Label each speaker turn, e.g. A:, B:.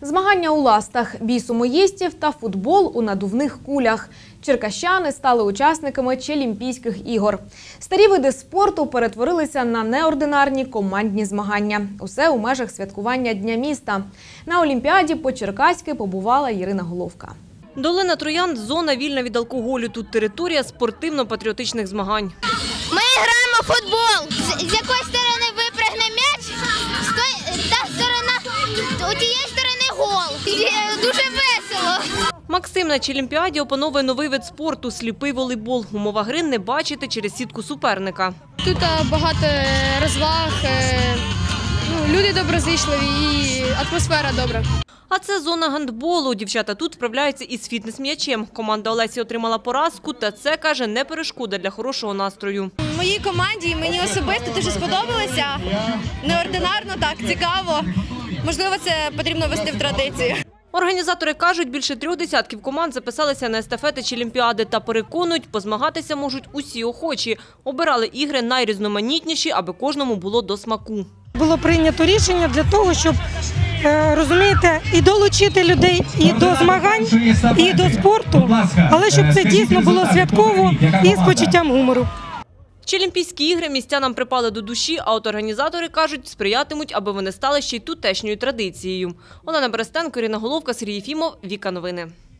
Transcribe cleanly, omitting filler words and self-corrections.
A: Змагання у ластах, бій сумоїстів та футбол у надувних кулях. Черкащани стали учасниками Челімпійських ігор. Старі види спорту перетворилися на неординарні командні змагання. Усе у межах святкування Дня міста. На Олімпіаді по-черкаськи побувала Ірина Головка.
B: Долина Троянд – зона вільна від алкоголю. Тут територія спортивно-патріотичних змагань.
C: Ми граємо в футбол. З якої сторони випрягне м'яч, та сторона, у тієї сторони гол. Дуже весело.
B: Максим на Челімпіаді опановує новий вид спорту – сліпий волейбол. Умова гри – не бачити через сітку суперника.
D: Тут багато розваг, люди доброзичливі і атмосфера добра.
B: А це зона гандболу. Дівчата тут справляються із фітнес-м'ячем. Команда Олесі отримала поразку, та це, каже, не перешкода для хорошого настрою.
E: Моїй команді і мені особисто дуже сподобалося. Неординарно, так, цікаво. Можливо, це потрібно ввести в традицію.
B: Організатори кажуть, більше 3 десятків команд записалися на естафети Челімпіади та переконують, позмагатися можуть усі охочі. Обирали ігри найрізноманітніші, аби кожному було до смаку.
F: Було прийнято рішення для того, щоб, розумієте, і долучити людей і до змагань, і до спорту, але щоб це дійсно було святково і з почуттям гумору.
B: Челімпійські ігри містянам припали до душі, а от організатори кажуть, сприятимуть, аби вони стали ще й тутешньою традицією. Олена Берестенко, Ірина Головка, Сергій Єфімов, Віка Новини.